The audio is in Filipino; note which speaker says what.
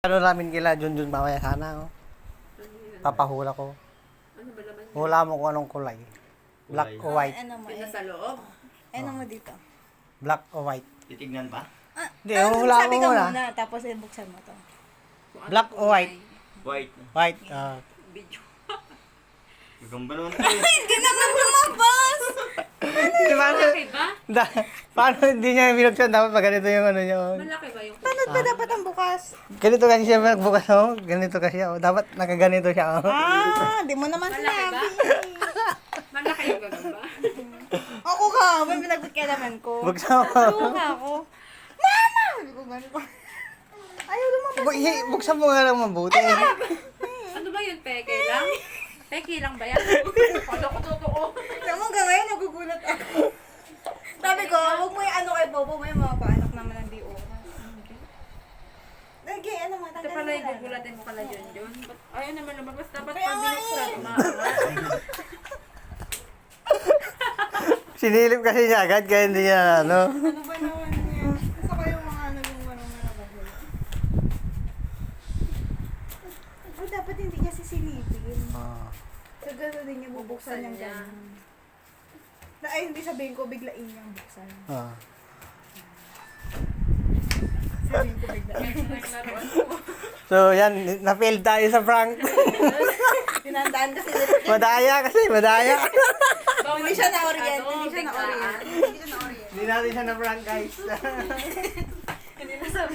Speaker 1: Ano namin kila Junjun mamaya sana, oh. Papahula ko.
Speaker 2: Ano ba laman?
Speaker 1: Hula mo kung anong kulay. Black o white.
Speaker 3: Ano mo?
Speaker 2: Yung nasa loob?
Speaker 3: Ano mo dito?
Speaker 1: Black o white.
Speaker 4: Titignan pa?
Speaker 1: Hindi, hula
Speaker 3: sabi
Speaker 1: mo
Speaker 3: ka
Speaker 1: muna.
Speaker 3: muna, tapos ibuksan mo to.
Speaker 1: Black o white.
Speaker 4: White.
Speaker 1: White.
Speaker 2: Video.
Speaker 4: Gagamba naman ito eh.
Speaker 3: Hindi naman lumabas!
Speaker 1: Paano,
Speaker 2: Malaki ba?
Speaker 1: paano hindi niya binuksan? Dapat pag ganito yung ano niya. Oh.
Speaker 2: Malaki ba yung
Speaker 3: Paano ba dapat ang bukas?
Speaker 1: Ganito kasi siya magbukas, oh. Ganito kasi, oh. Dapat nakaganito siya, oh.
Speaker 3: Di mo naman
Speaker 2: Malaki
Speaker 3: sinabi.
Speaker 2: Malaki yung gagamba?
Speaker 3: Ako ka, may pinagpagkalaman ko.
Speaker 1: Buksan mo.
Speaker 3: Tuwa ka ako. Mama! Sabi ko gano'n pa. Ayaw lumabas.
Speaker 1: Buksan mo nga lang mabuti.
Speaker 2: Ano ba yun? Peke lang? Peke lang ba yan? Ano ko totoo?
Speaker 3: Alam mo, hanggang ngayon nagugulat ako. Sabi ko, huwag mo yung ano kay Bobo, may mga paanak naman ng di oras. Okay, ano mo,
Speaker 2: Ito
Speaker 3: tanggalin
Speaker 2: pala
Speaker 3: mo
Speaker 2: yung
Speaker 3: lang.
Speaker 2: gugulatin mo kala yun. Ayaw naman lumabas. Dapat
Speaker 3: Kaya
Speaker 2: pag
Speaker 3: nga
Speaker 2: binuksan,
Speaker 3: eh.
Speaker 2: umaangat.
Speaker 1: Sinilip kasi niya agad, kaya hindi niya, ano.
Speaker 3: Ano ba naman yan? Gusto ko yung mga ano yung ano na nakahula. Oh, dapat hindi niya sisilipin.
Speaker 1: Ah.
Speaker 3: So, gano'n din niya bubuksan yung
Speaker 2: niya.
Speaker 3: gano'n. Ay, hindi sabihin ko, biglain niyang buksan.
Speaker 1: Ah.
Speaker 3: Sabihin ko, biglain.
Speaker 2: Naglaruan ko.
Speaker 1: So, yan, na-fail tayo sa prank.
Speaker 3: Tinandaan kasi nila.
Speaker 1: Madaya kasi, madaya.
Speaker 3: Hindi siya na-orient. Hindi siya
Speaker 2: Biglaan.
Speaker 3: na-orient. Hindi siya na-orient.
Speaker 1: Hindi natin siya na-prank, guys.